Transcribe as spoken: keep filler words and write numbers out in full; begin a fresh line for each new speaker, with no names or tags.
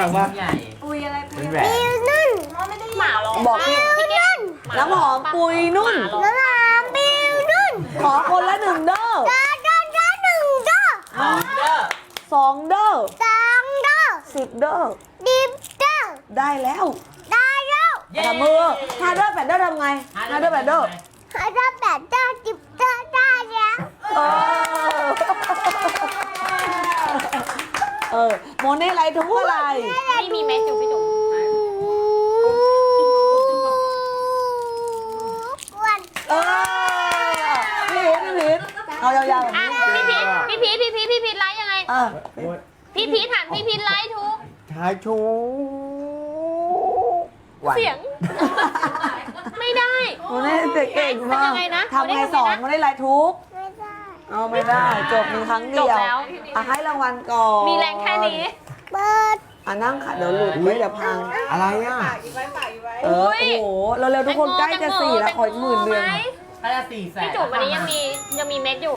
กว่า
ใหญ่
ปุยอะไรปุ
เป็
ย
นแหว
อะไร
น
นุ่น
หมาร้อง
บอกพี่
พี่เก่ง
น้ำหอมปุยนุ่น
หมาร้อง
น้ำหอมปีนุ่น
ขอคนละหนึ่งเด้อ
เด้อเด้อเด้อหนึ่งเด้อ
หอมเด้อ
สองเด้อ
สองเด้อ
สิบเด้อ
ดิบเด้อ
ได้แล้ว
ได้แล้ว
ทำมือห้าเด้อแปดเด้อทำไงห้าเด้อแปดเด้อ
ห้าเด้อแปดเด้อสิบเด้อได้แล้ว
เออเออโมเน่ไรทุกอะไร
ไม่มีเม็ดอยู่พี่จุ๋ม
อ้วน
เออพี่พีทพี่พีทเอายาวๆแบบ
อ่ะ
นี้
พี่พีทพี่พีทพี่พีทพี่พีทไลฟ์ยังไง
เออ
พี่พีทหันพี่พีทไลฟ์ทุก
ชายชูวัน
เสียง ไม่ได้
โมเน่เก่งมาก
ทำยังไงนะ
ทำไง
โมเน่
สอน
ทำไงนะ
โมเน่ไรทุก
ไม่ได้
เอาไม่ได้ จบมีครั้งเดียว
จบแล้ว
อ่ะให้รางวัลก่อน
มีแรงแค่นี้
เปิด
อ่ะนั่งค่ะเดี๋ยวหลุดไว้เดี๋ยวพัง
อะไรอ่ะ
ฝากอีกไว้ฝากอีกไว้
เออ โอ้โห เร็วๆทุกคนใกล้จะสี่แล้วขออีกหมื่นเดือน
ไหม
ถ้าจะสี่แสน
พี่จุ๋มวันนี้ยังมียังมีเม็ดอยู่